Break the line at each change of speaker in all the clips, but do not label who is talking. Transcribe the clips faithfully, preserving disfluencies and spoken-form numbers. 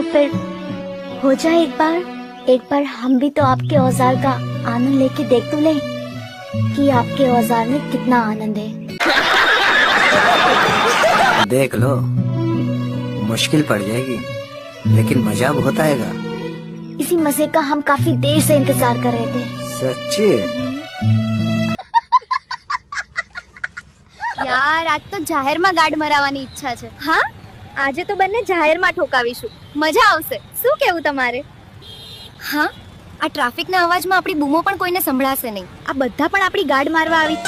तो फिर हो जाए एक बार एक बार हम भी तो आपके औजार का आनंद लेके देख तो ले कि आपके औजार में कितना आनंद है।
देख लो, मुश्किल पड़ जाएगी लेकिन मजा बहुत आएगा।
इसी मजे का हम काफी देर से इंतजार कर रहे थे।
सच्ची?
યાર આજ તો જાહેરમાં ગાડ મરાવવાની ઈચ્છા છે। હા, આજે તો બંને જાહેરમાં ઠોકાવીશું, મજા આવશે। શું કહેવું તમારે? હા, આ ટ્રાફિકના અવાજમાં આપણી બૂમો પણ કોઈને સંભળાશે નહીં। આ બધા પણ આપણી ગાડ મારવા આવી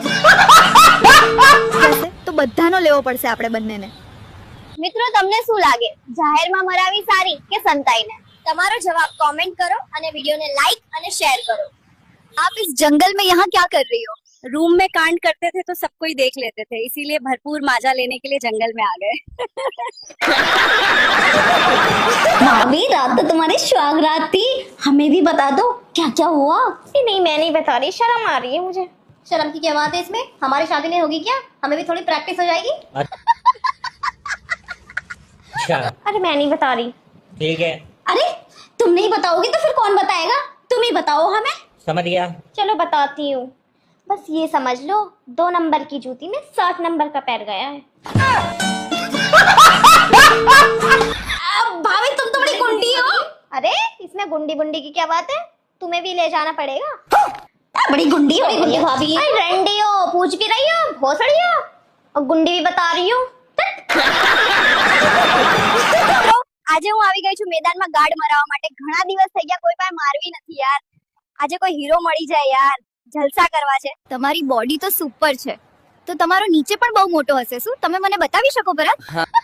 જશે તો બધાનો લેવો પડશે આપણે બંનેને। મિત્રો, તમને શું લાગે, જાહેરમાં મરાવી સારી કે સંતાઈને? તમારો જવાબ કમેન્ટ કરો અને વિડિયોને લાઈક અને શેર કરો। आप इस जंगल में यहाँ क्या कर रही हो? रूम में कांड करते थे तो सब कोई देख लेते थे, इसीलिए भरपूर माजा लेने के लिए जंगल में आ गए।
भाभी, रात तो तुम्हारी सुहाग रात थी, हमें भी बता दो क्या क्या हुआ।
नहीं, मैं नहीं बता रही, शर्म आ रही है मुझे। शर्म की क्या बात है इसमें? हमारी शादी नहीं होगी क्या? हमें भी थोड़ी प्रैक्टिस हो जाएगी।
अच्छा,
अरे मैं नहीं बता रही।
ठीक है,
अरे तुम नहीं बताओगी तो फिर कौन बताएगा? तुम ही बताओ हमें।
समझ गया।
चलो बताती हूँ। बस ये समझ लो, दो नंबर की जूती में सात नंबर का पैर गया है।
भाभी, तुम तो बड़ी गुंडी हो।
अरे इसमें गुंडी बुंडी की क्या बात है? तुम्हें भी ले जाना पड़ेगा।
बड़ी गुंडी हो गुंडी भाभी।
अरे रंडी हो, पूछ भी रही हो, भोसड़ी हो, और गुंडी भी बता रही हूँ। આજે હું આવી ગઈ છું મેદાનમાં ગાર્ડ મરાવવા માટે। ઘણા દિવસ થઈ ગયા, કોઈ પાસે મારવી નથી યાર। આજે કોઈ હીરો મળી જાય યાર, જલસા કરવા છે। તમારી બોડી તો સુપર છે, તો તમારો નીચે પણ બહુ મોટો હશે। શું તમે મને બતાવી શકો ભરત?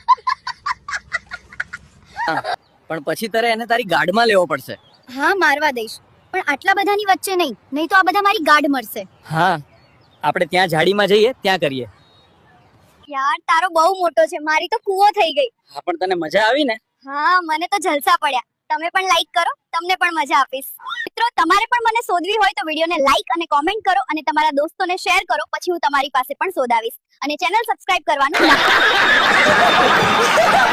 પણ પછી તારે એને તારી ગાર્ડમાં લેવો પડશે।
હા, મારવા દઈશ, પણ આટલા બધાની વચ્ચે નહીં, નહીં તો આ બધા મારી ગાર્ડ મરશે।
હા, આપણે ત્યાં ઝાડીમાં જઈએ, ત્યાં કરીએ।
યાર તારો બહુ મોટો છે, મારી તો કૂવો થઈ ગઈ।
હા, પણ તને મજા આવી ને?
હા, મને તો જલસા પડ્યા। તમે પણ લાઈક કરો, તમને પણ મજા આપીશ। મિત્રો, તમારે પણ મને શોધવી હોય તો વિડિયોને લાઈક અને કોમેન્ટ કરો અને તમારા દોસ્તોને શેર કરો, પછી હું તમારી પાસે પણ શોધાવીશ। અને ચેનલ સબસ્ક્રાઇબ કરવાનું ના